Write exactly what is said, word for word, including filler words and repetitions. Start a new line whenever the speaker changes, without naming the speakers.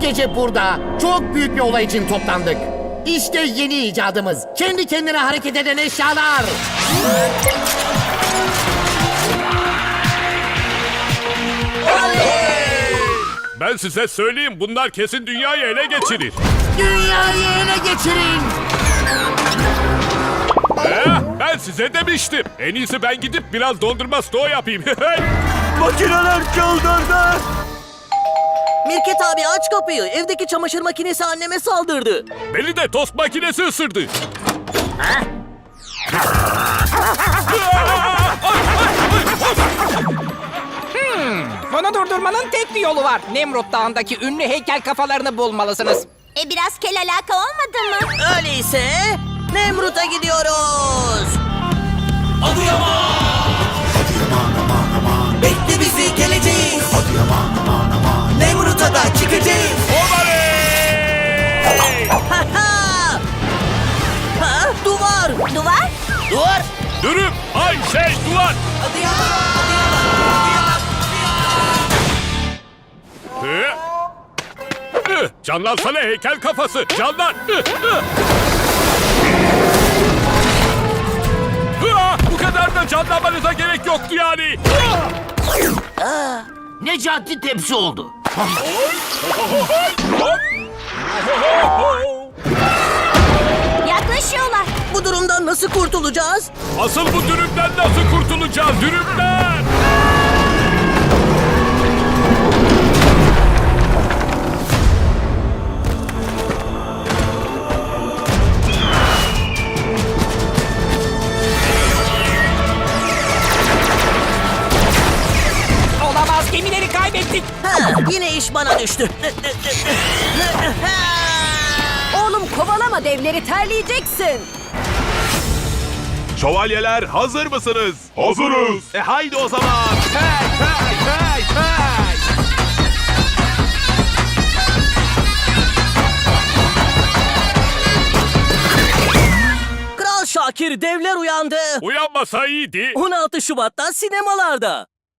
gece burada çok büyük bir olay için toplandık. İşte yeni icadımız. Kendi kendine hareket eden eşyalar.
Ben size söyleyeyim, bunlar kesin dünyayı ele geçirir.
Dünyayı ele geçirin.
Ee, ben size demiştim. En iyisi ben gidip biraz dondurma stoğu yapayım.
Makineler çıldırdı.
Mirket abi aç kapıyı. Evdeki çamaşır makinesi anneme saldırdı.
Beni de tost makinesi ısırdı.
Bunu durdurmanın tek bir yolu var. Nemrut Dağı'ndaki ünlü heykel kafalarını bulmalısınız.
E biraz kel alaka olmadı mı?
Öyleyse Nemrut'a gidiyoruz.
Bekle bizi geleceğiz. Nemrut'a da çıkacağız.
Oley!
Ha ha! Ha, duvar.
Duvar?
Duvar.
Dürüm, ay şey, duvar. Ee, ıh, Canlansana heykel kafası, canlan. Ih, ih. Hıa, bu kadar da canlanmanıza gerek yoktu yani.
Necati tepsi oldu.
Yaklaşıyorlar.
Bu durumdan nasıl kurtulacağız?
Asıl bu dürümden nasıl kurtulacağız, dürümden?
Olamaz, gemileri kaybettik.
Ha, yine iş bana düştü.
Oğlum kovalama devleri, terleyeceksin.
Şövalyeler hazır mısınız? Hazırız. E haydi o zaman. Hey hey hey hey.
Kral Şakir, devler uyandı.
Uyanmasa iyiydi.
on altı Şubat'ta sinemalarda.